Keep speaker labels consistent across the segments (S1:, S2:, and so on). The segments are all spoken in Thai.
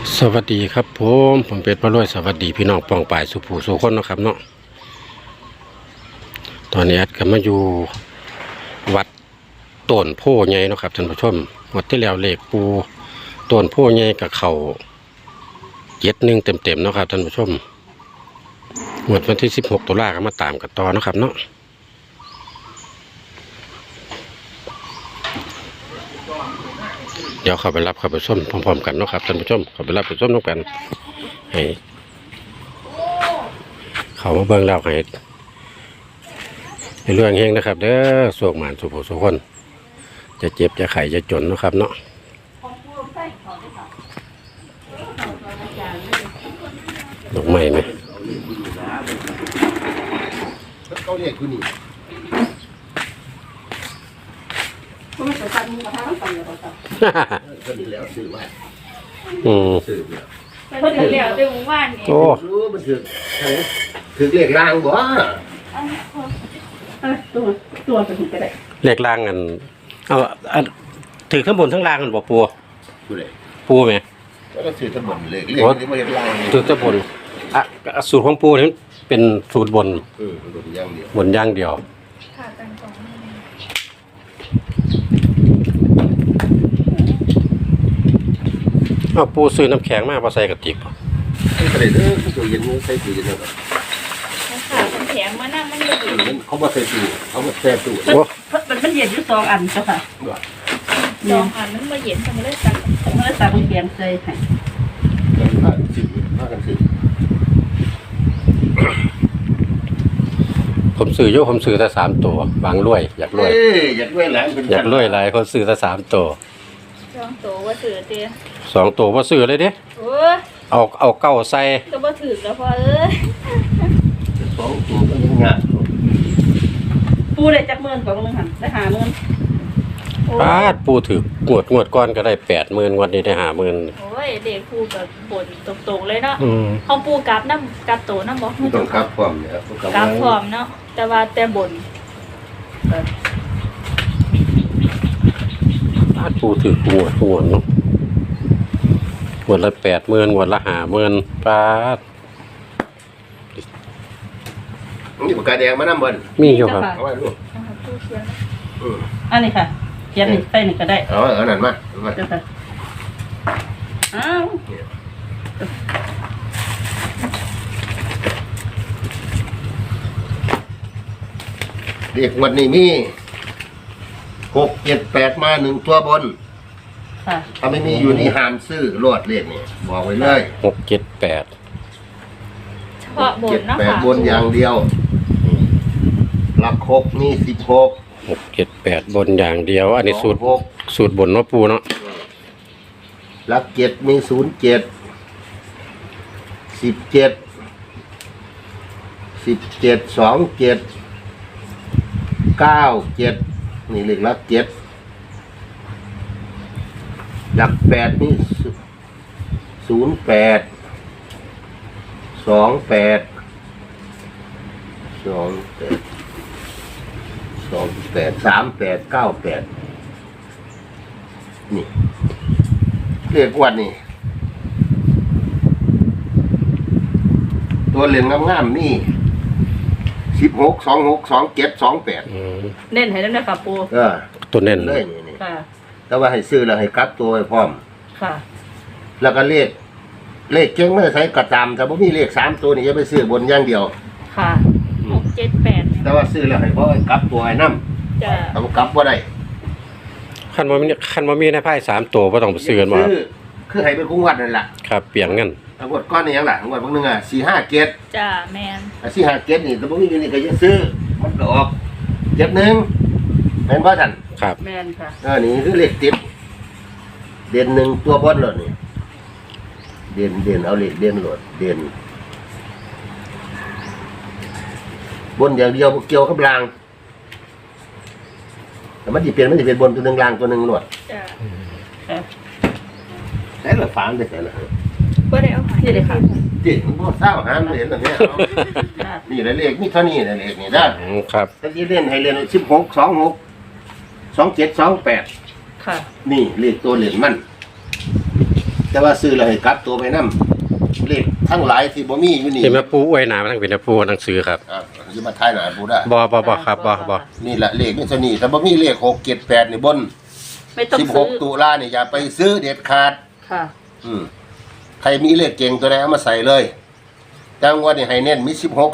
S1: สวัสดีครับผมเป็ดพระรวยสวัสดีพี่น้องปองป่ายสุภูสุคนนะครับเนาะตอนนี้แอดก็มาอยู่วัดต้นโพใหญ่นะครับท่านผู้ชมวัดที่แล้วเลขปูต้นโพใหญ่กับเขา71เต็มๆนะครับท่านผู้ชมงวดวันที่16 ตุลาคมก็มาตามกันต่อนะครับเนาะเดี๋ยวเข้าไปรับเข้าไปส้มพร้อมๆกันเนาะครับท่านผู้ชมเข้าไปรับไปส้มน้องกันให้เขามาเบิ่งแล้วให้เรื่องเฮงนะครับเด้อสวกหมานสุขสุขคนจะเจ็บจะไข้จะจนนะครับเนาะดอกไม้ไหม
S2: เขาเรียกคุณนี่ก็ไม่สนใจมึงมาทำอะไรหรอกครับก็ดีแล้วซื้อไว้ซื้อแล้ว
S3: พอดีแล้วเดี๋ยวมึงว่านี่
S1: โอ้
S2: รู้มันถือเรียกลางบ่
S3: ตัวไปถึงก็ได้
S1: เลขล่างกันเอาถือข้างบนทั้งล่างกันบ่ปู
S2: เลย
S1: ปูไหม
S2: ก็ถือทั้งหมดเลยเรียกที่ไม่เรียกลาง
S1: ถือข้างบนสูตรของปูนี่เป็นสูตรบน
S2: บนย่างเดียว
S1: บนย่างเดียว
S3: ขาดกันสอง
S1: เอาปูซื้อน้ำแข็งมาใส่กระติก
S2: ใส่เด้อตู้เย็นใส่ตู้เย็นนะครับ
S3: ขาดกันแข็งมานั่งมันไม่ดี
S2: เขาบ่ใส่ตู้เขาบ่แช่ตู้
S4: มันเย็นอยู่2 อันเจ้าค่ะ
S3: 2 อันมันมาเย็นทำไมได้ตัก
S4: มันเลยตักเปลี่ยนใส่ให้
S2: ผ้ากันสิ
S1: ผมซื้อแต่3 ตัวบางรวยอยากรวย
S2: อยากรวยหลาย
S1: อยากรวยหลายคนซื้อแต่3 ตัว
S3: 2 ตัวว่าถือเตี้ย
S1: 2 ตัวว่าซื้อเลยเด้เอาเก้าใส่
S3: ก็บ่ถือแล้วพอ
S2: 2 ตัวก็ยังงาน
S4: ปูได้จักหมื่นกว่ามึงหั่นได้
S1: 50,000ปูถืองวดก้อนก็ได้80,000วันนี้ได้50,000
S3: โอ้ยเด็กปูแบบบ่นตรงๆเลยเนาะเขาปูกลับน้ำกลับโตน้ำบ่
S2: ต้องกลับพร้อมเนี่ย
S3: กลับพร้อมเนาะแต่ว่าแต่บ่น
S1: ปูถืองวดเนาะงวดละ80,000งวดละ50,000
S2: มีปากกาแดงมานำบ่
S1: มีอยู่ครับ
S2: เอาไว้ลูก
S4: อันนี้ค่ะเขียนนี่ใส่นี่ก็ได้
S2: นั่นมา
S4: เจ้าค่ะอ้าว
S2: เรียกวันนี้มี6 7 8มา1ตัวบน
S4: ค่ะ
S2: ถ้าไม่มีอยู่นี่ห้ามซื้อรอดเลขนี่บอกไว้เลย
S1: 6 7 8
S3: เฉพาะบนเนาะค่ะ
S2: บนอย่างเดียวหลัก6นี่16
S1: 6 7 8บนอย่างเดียวอันนี้สูตรบนเนาะปูเนาะ
S2: หลัก7มี07 17 27 97นี่เลขหลัก7หลัก8นี่08 28 38 98 นี่เรียกวันนี่ตัวเหรียญงามๆนี่16 26 27 28
S4: เน้นให้นำนะครับปู
S1: ตัวเน้น
S2: เลยนี่
S4: ค่ะ
S2: แต่ว่าให้ซื้อแล้วให้กลับตัวไว้พร้อม
S4: ค่ะ
S2: แล้วก็เลขเก่งไม่ใช้กระตามแต่บ่มีเลข3ตัวนี่อย่าไปซื้อบนอย่างเดียว
S4: ค่ะ
S3: 6 7 8
S2: แต่ว่าซื้อแล้วให้พอกลับตัวไอ้นำ
S3: จ้ะ
S2: ต้องกลับบ่ได้
S1: คันบ่มีในไพ่3 ตัวบ่ต้องไปซื้อกันบ่
S2: คือให้เป็นคงวัดนั่นล่ะ
S1: ครับเปลี่ยนเงิน
S2: งวดก้อนนี่หยังล่ะงวดบางนึง457
S3: จ้ะแม่น
S2: 457นี่แต่บ่มีอยู่นี่ก็ยังซื้อมันก็ออก71แม่นบ่ท่าน
S1: ครับ
S4: แม่นค่ะ
S2: นี่คือเลขติดเด่น1ตัวบนโลดนี่เด่นเอาเลขเด่นโลดเด่นบนอย่างเดียวเกี่ยวกับรางแต่มันจะเป็นบนตัวหนึ่งรางตัวหนึ่งหนวด
S3: จ้ะ
S2: ใส่ละฝานได้ใส่ละ
S3: บ่ได้เอาหาย
S4: เลยค่ะ
S2: จิมันบ่เศร้าหาเห็นแบบนี้นี่เลขมีเท่านี้เลขนี่ได้
S1: ครับ
S2: ถ้าที่เล่นให้เล่น16 26 27 28
S4: ค่ะ
S2: นี่เลขตัวเหรียญมัน
S5: แต่ว่าซื้อแล้วให้กลับตัวไปนำเลขทั้งหลายที่บ่มีอยู่นี่
S1: ที่แม่ปูอวยหนามาทั้งเป็นแม่ปูหนังสือครับ
S5: สิมาทายหน้าปูได้
S1: บ่ครับบ่
S5: นี่แหละเลขนี่เท่านี้ถ้าบ่มีเลข6 7 8นี่บน
S4: ไม่ต้องซื้อ
S5: 16ตุลานี่อย่าไปซื้อเด็ดขาด
S4: ค่ะ
S5: ใครมีเลขเก่งตัวไหนเอามาใส่เลยจังหวะนี่ให้เน้นมี16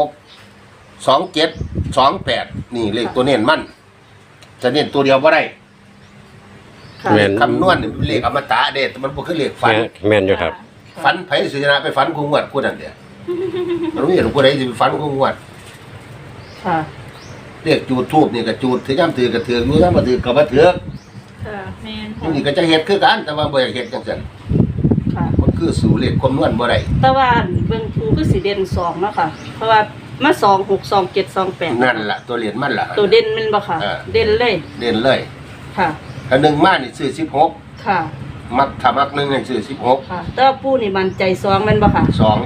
S5: 26 27 28นี่เลขตัวเน้นมันจะเน้นตัวเดียวบ่ได้
S4: ค่ะ
S1: แม่น
S5: คำนวณนี่เลขอมตะเด้มันบ่คือเลขฝัน
S1: แม่นอยู่ครับ
S5: ฝันไผสิชนะไปฝันคงงวดกูนั่นเด้มันไม่เห็นผู้ใดสิไปฝันคงงวด
S4: ค่ะ
S5: เลขจูดทูบนี่ก็จูดถือย่ำถือก็ถืออยู่ย่ำบ่ถือก็บ่ถือ
S3: ค่ะแม่น
S5: นี่ก็จะเฮ็ดคือกันแต่ว่าบ่อยากเฮ็ดจังซั่น
S4: ค่ะ
S5: มันคือสู่เลขคำนวณบ่ได้
S4: แต่ว่าเบิ่งทูคือสีเด่น2เนาะค่ะ เพราะว่ามา2 6 2 7 2 8
S5: นั่นล่ะตัวเหรียญมันล่ะ
S4: ตัวเด่นแมันบ่ค่ะ เด่นเลย
S5: เด่นเลย
S4: ค่ะ
S5: ถ้าหนึ่งมานี่ซื้อ16
S4: ค่ะ
S5: มักถ้ามักหนึ่งให้ซื้อ16
S4: ค่ะ แต่ว่าปูนี่มันใจ2แม่นบ่ค่ะ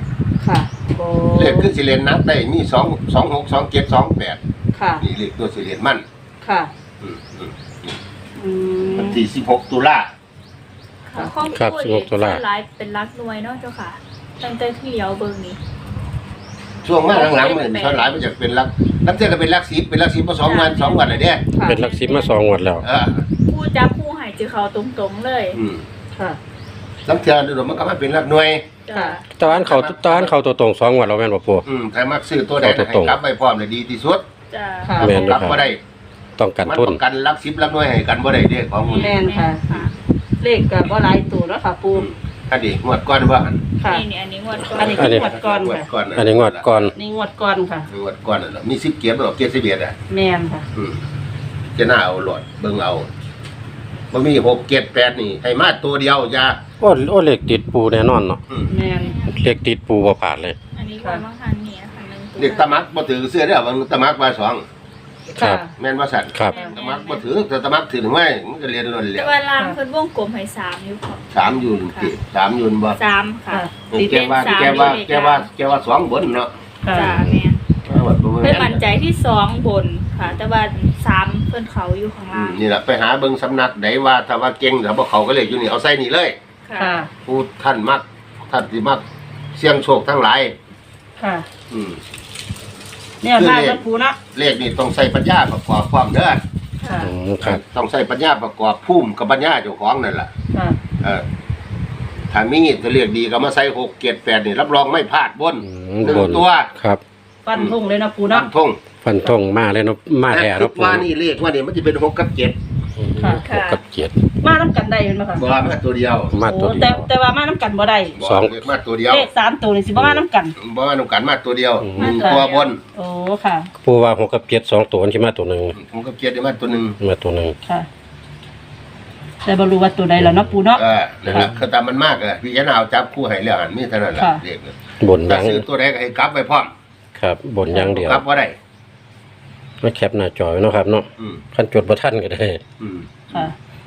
S5: 2
S4: ค่ะโอ้
S5: เลขคือสิเรียนนับได้มี2 26 27 28
S4: ค่ะ
S5: นี่เลขตัวสิเรียนมัน
S4: ค่ะ
S5: อืม
S4: อืม
S5: วันที่16ตุลา
S3: ค่ะข้อมูล
S1: ครับ
S3: เด็ก
S1: 16ตุลา
S3: ส่วนหลายเป็นรักหน่วยเนาะเจ้าค่ะตั้งแต่ที่เลี้ยวเบิ่งนี้
S5: ช่วงมาหลังๆมันส่วนหลายมันจะเป็นลักเทื่อก็เป็นลัก10เป็นลัก10มา2วัน2วันน่ะเด้
S4: ค่ะ
S1: เป็นหลัก10มา2งวดแล้ว
S3: ผู้จับผู้ใหายจือเขาตรงๆเลย
S4: ค่ะ
S5: ลักเทื่อเดี๋ยวมันก็มาเป็นลักหน่วย
S3: จ้ะ
S1: ตอนเขาตัวตรง2งวดแล้วแม่นบ่ปู
S5: ถ้ามักซื้อตัวใดให้กลับไปพร้อมเลยดีที่สุด
S3: จ้ะ
S4: ค่ะ
S1: แม่นอยู่
S5: กลับ
S1: ครับ
S5: บ่ได้
S1: ต้องกัน
S5: มัน
S1: ทุน
S5: ต้องกันลัก10ลักหน่วยให้กันบ่ได้เด้ของมัน
S4: แม่นค่ะ เลขก็บ่หลายตัวแล้วค่ะปู
S5: อันนี้งวดก่อนว่าหั่น
S4: ค่ะ
S3: นี่อันนี้งวดก่อน
S4: อันนี้คืองวดก่อน
S5: งวด
S4: ค่ะ
S5: ก่อน
S1: อันนี้งวดก่อน
S4: นี่งวดก่อนค่ะ
S5: งวดก่อนน่ะมี10เกียรติบ่เกียรติ11อ่ะ
S4: แม่นค่ะ
S5: จะน่าเอาหลอดเบิ่งเอาบ่มี6 7 8นี่ให้มาตัวเดียวอย่า
S1: โอ้เลขติดปูแน่นอนเนาะ
S4: แม่น
S1: เลขติดปูบ่ผ่านเลย
S3: อันนี้ก่อนบางทันนี่นะคะหนึ่งตัว
S5: เด็กตะมักบ่ถือเสื้อเด้อบางตะมักว่า2
S1: ครับ
S5: แม่นว่าสั่น
S1: ครับ
S5: ตะมักบ่ถือแต่ตะมักถือถึงไว้มันก็เรียนล้นแล้
S3: แต่
S5: ว
S3: ว่าล่างเพิ่นวงกลมให้3อยู่ค่ะ
S5: 3อยู่ติ3อยู่บ่
S3: 3ค่ะ
S4: ค่ะ
S5: แกว่า2บนเนาะ
S4: ค่ะ
S3: จ้ะแม่น
S5: ว่าบ่
S3: เพิ่
S5: แม่
S3: นมั่นใจที่2บนค่ะ แต่ว่า3เพิ่นเขาอยู่ข้างล่าง
S5: นี่ล่ะไปหาเบิ่งสำนักใดว่าถ้าว่าเก่งถ้าบ่เขาก็เลยอยู่นี่เอาใส่นี่เลย
S4: ค่ะ
S5: ผู้ท่านมักท่านสิมักเสี่ยงโชคทั้งหลาย
S4: ค่ะ
S5: อืม
S4: เนี่ยมากแล้วปูเนาะ
S5: เลขนี่ต้องใส่ปัญญาประกอบความเด้อ
S4: ค่ะ
S1: ครับ
S5: ต้องใส่ปัญญาประกอบภูมิกับปัญญาเจ้าของนั่นล่ะ
S4: ค่ะ
S5: ถ้ามีจะเรียกดีก็มาใส่6 7 8นี่รับรองไม่พลาดบนหนึ่ง
S1: บน
S5: ตัว
S1: ครับ
S4: ฟันทุ่งเลยนะปู
S5: ตั้
S4: เนาะ
S5: งทง
S1: ฟันธงมาเลยเนาะมาแท้
S5: คิ
S1: เนาะ
S5: ด
S1: ปู
S5: ว่านี่เลขว่านี่มันจะเป็น6 กับ 7
S4: ค่ะ
S1: หกกับเจ็ด
S4: มาน้ำกันได้เป็นไหมคะ
S5: บ่ว่ามาตัวเดียว
S1: มาตัว
S4: โอ้
S1: เดียว
S4: แต่ว่ามาน้ำกันบ่ได้
S5: บ่
S1: สอง
S5: เลขมาตัวเดียว
S4: เลข3ตัวนี่สิบ่มาน้ำกัน
S5: บ่ว่าต้องการมาตัวเดียว
S1: อืม
S5: หนึ่งตัวบน
S4: โอ้ค่ะ
S1: ปูว่า6กับ7 2ตัวที่มาตัวหนึง
S5: 6 กับ 7ได้มาตัวหนึง
S1: มาตัวหนึง
S4: ค่ะแต่บ่รู้ว่าตัวใดแล้วเนาะปูเนาะ
S5: นั่นล่ะคือตามมันมากพี่จะเอาจับคู่ให้แล้วอันมีเท่านั้นล่ะ
S4: ค่ะ
S5: เลข
S1: บน
S5: ถ้า
S1: ยัง
S5: ซื้อตัวใดก็ให้กลับไปพร้อม
S1: ครับบนยังเดียว
S5: กลับบ่ได้
S1: มาแคปหน้าจอไว้เนาะครับเนาะ
S5: อืม
S1: คันจดบ่ทันก็ได้
S5: อืม
S4: ค่ะ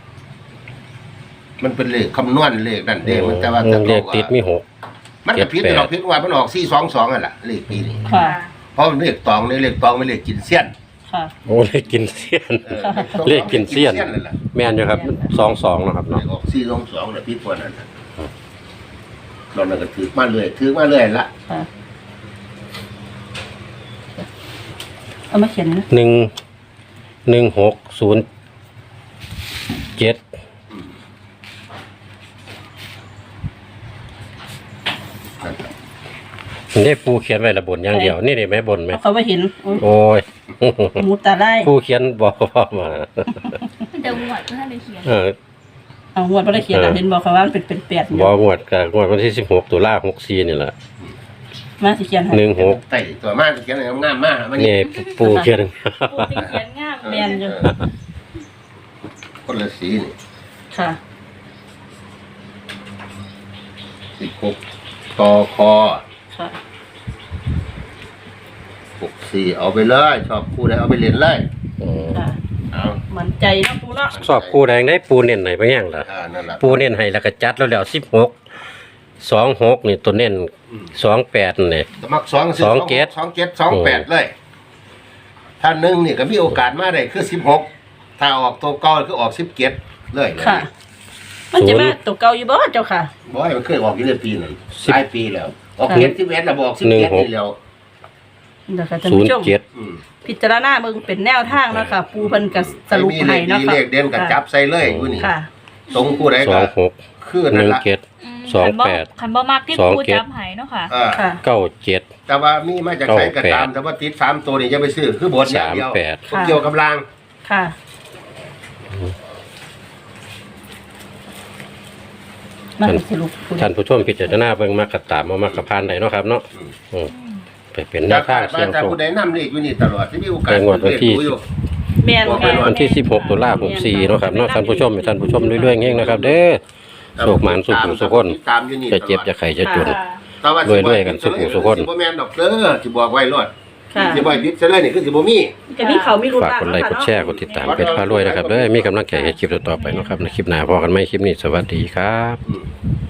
S5: มันเป็นเลขคำนวณเลขนั่นเด้มันแต่ว่า
S1: เลขติดมี6
S5: มันก็ผิดหรอกผิดว่ามันออก422นั่นล่ะเลขปีนี้
S4: ค่ะ
S5: เพราะมันเลขตองนี่เลขตองไม่เลขกินเสี้ยน
S4: ค่ะ
S1: โอ้เลขกินเสี้ยน
S4: ค่ะ
S1: เลขกินเสี้ยน
S5: นั่นแหละ
S1: แม่นอยู่ครับ22เนาะครับ
S5: เล
S1: เนาะ
S5: ขออก422น่ะผิดกว่านั้นน่ะเรานั่นก็ถือมาเรื่อยละ
S4: ค่ะเอามาเขียนนะ
S1: 11607นี่ปูเขียนไว้ละบนอย่างเดียวนี่ได้ไหมบนไหม
S4: เอาเขาไม่เห็นโอ้ย
S1: โอ้ย
S4: หมูตาไล่
S1: ปูเขียนบอกพ่อมา
S3: เดี๋ยวงวดเพื่อนได้เขียน
S4: เอางวดไม่ได้เขียนเห็นบอกเขาว่ามันเป็น8อยู่
S1: บอกงวดกับงวดวันที่16ตุลา64นี่แหละ
S4: มาสิเขียนให้
S1: 16
S5: ไต่ตัวมากเขียนอะไรงามมากมัน
S1: นี่ปูเขียน
S3: ปูติเขียนงาม
S4: แม่นอยู่
S5: คนละสีนี่
S4: ค่ะ
S5: 16ตอคอ
S4: ค่ะ
S5: 64เอาไปเลยชอบคู่ใดเอาไปเล่นเลย
S4: ค่ะ
S5: เอา
S4: มันใจเนาะปูเนาะ
S1: สอบปูแดงได้ปูเน้นไหนไปยังล่ะ
S5: นั่นล่ะ
S1: ปูเน้นให้แล้วก็จัดแล้ว16 26นี่ตัวเน้น28นี่
S5: สมัคร2 27 28เลยถ้า1นี่ก็มีโอกาสมาได้คือ16ถ้าออกตัวเก่าคือออก17เลย
S4: ค่ะมันจะมาตัวเก่าอยู่บ่เจ้าค่ะ
S5: บ่ให้มันเคยออกอยู่ในปีนั้นหลายปีแล้วออกเก็ด11แล้วบอก17นี่แล้ว
S4: เดี๋ยวค่ะท่านผู้ชม
S1: 07
S5: อืม
S4: พิจารณาเบิ่งเป็นแนวทางเนาะค่ะปูเพิ่นก็สรุป
S5: มี
S4: ให้
S5: เล
S4: เนาะ
S5: ขดี
S4: ค่ะ
S5: เลขเด่นก็จับใส่เลยผู้นี้
S4: ค่ะ
S5: ตรงผู้ใดก็
S1: 26
S5: คือนั่นล่ะ
S1: 17 28
S3: คันบ่มักที่
S1: สอง
S3: ปู
S1: เจ็ด
S3: จับให้เนาะค่ะ
S4: ค่ะ
S1: 97
S5: แต่ว่ามีมาจากไหนก็ตามแต่ว่าติด3ตัวนี่อย่าไปซื้อคือบทอย่างเดียว
S1: 38
S5: ผมเกี่ยวกับราง
S4: ค่ะมาสรุป
S1: ท่านผู้ชมพิจารณาเบิ่งมากระตามมามากระพานได้เนาะครับเนาะไปเป็นแนวทางเสี่ยง
S5: แต่
S1: โชค
S5: ผู้ใดนำเลขอยู่นี่ตลอดที่มีโอกาส
S1: ในงวดวันที่
S5: อยู่
S4: แม่น
S5: บอกไป
S4: ค่ะ
S5: ก่อ
S1: วันที่16ตุลาคม64เนาะครับเนาะท่านผู้ชมให้ท่านผู้ชมเรื่อยๆเฮงนะครับ เด้อโชคหมานสุขสุขคน
S5: ตามอยู่นี่
S1: จะเจ็บจะไข้จะจน
S3: ค่ะ
S5: แต่ว่า
S1: รวยๆกันสุขสุขคน
S5: สิบ่แม่นดอกเด้อสิบอกไว้รอด
S4: ค่ะ
S5: สิบ่ให้ดิบซะเลยนี่คือสิบ่มี
S4: จะมีเขามีรุ่น
S1: ฝากกดไลค์กดแชร์กดติดตามเพจพารวยนะครับเด้อมีกำลังใจให้คลิปต่อๆไปเนาะครับในคลิปหน้าพอกันไหมคลิปนี้สวัสดีครับ
S5: อืม